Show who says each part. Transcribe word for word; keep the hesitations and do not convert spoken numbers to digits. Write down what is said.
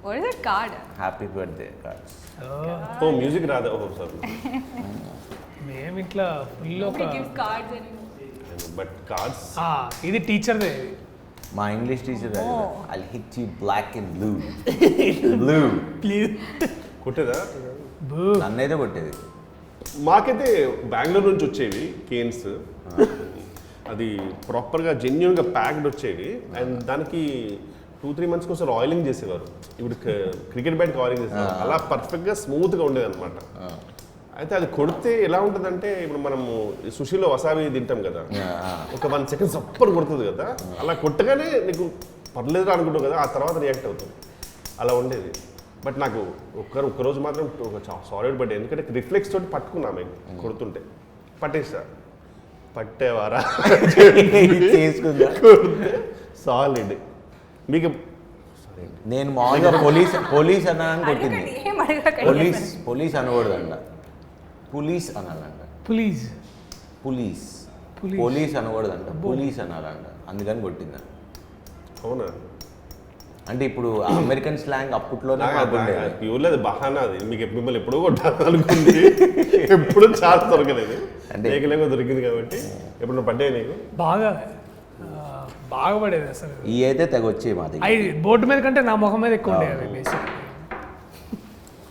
Speaker 1: What is that card?
Speaker 2: Happy birthday cards.
Speaker 3: Oh music రాదా? Oh sorry.
Speaker 4: మేము ఇట్లా full ఒక
Speaker 1: Nobody gives cards anymore.
Speaker 3: But cards
Speaker 4: ఆ, ఇది టీచర్దే.
Speaker 2: మా English teacher I hit you black and blue blue
Speaker 4: please
Speaker 3: కొట్టేదా?
Speaker 2: నన్నైతే కొట్టేది.
Speaker 3: మాకైతే బెంగళూరు నుంచి వచ్చేవి కేన్స్. అది ప్రాపర్గా జెన్యున్గా ప్యాక్డ్ వచ్చేవి. అండ్ దానికి టూ త్రీ మంత్స్కి ఒకసారి ఆయిలింగ్ చేసేవారు. ఇప్పుడు క్రికెట్ బ్యాట్కి ఆయిలింగ్ చేసేవారు. అలా పర్ఫెక్ట్గా స్మూత్గా ఉండేది అనమాట. అయితే అది కొడితే ఎలా ఉంటుందంటే ఇప్పుడు మనము సుషిలో వసాబి తింటాం కదా, ఒక వన్ సెకండ్ సప్పర్ కొడుతుంది కదా, అలా కొట్టగానే నీకు పర్లేదు అనుకుంటావు కదా, ఆ తర్వాత రియాక్ట్ అవుతుంది. అలా ఉండేది. బట్ నాకు ఒక్కరు ఒక్కరోజు మాత్రం సాలిడ్ పడ్డాయి. ఎందుకంటే రిఫ్లెక్స్ తోటి పట్టుకున్నాము కొడుతుంటే. పట్టేస్తా పట్టేవారా
Speaker 2: చేసుకుందా
Speaker 3: సాలిడ్. మీకు
Speaker 2: నేను మామూలుగా పోలీస్ పోలీస్ అన్నాను కొట్టింది.
Speaker 1: అడగండి, ఏం అడగకండి.
Speaker 2: పోలీస్ పోలీస్ అనకూడదంట, పులీస్ అనాలంట.
Speaker 4: ప్లీజ్
Speaker 2: పులీస్
Speaker 4: పులీస్.
Speaker 2: పోలీస్ అనకూడదంట, పులీస్ అనాలంట. అందుకని కొట్టిందా.
Speaker 3: అవునా?
Speaker 2: అంటే ఇప్పుడు అమెరికన్ స్లాంగ్ అప్పట్లోనే మాకుండేది.
Speaker 3: ప్యూర్లీ అది బహానా. అది మీకు మిమ్మల్ని ఎప్పుడో కొట్టాలి అనుకుంది, ఎప్పుడు చాలా దొరకలేదు.
Speaker 2: అంటే
Speaker 3: లేకలేక దొరికింది కాబట్టి ఎప్పుడు పడ్డాయి నీకు?
Speaker 4: బాగా ఆ, బాగా పడేది అసలు.
Speaker 2: ఈ అయితే తెగ వచ్చేవి మా దగ్గర.
Speaker 4: అవి బోర్డు మీద కంటే నా ముఖం మీద ఎక్కువ ఉండేవి బేసిక్.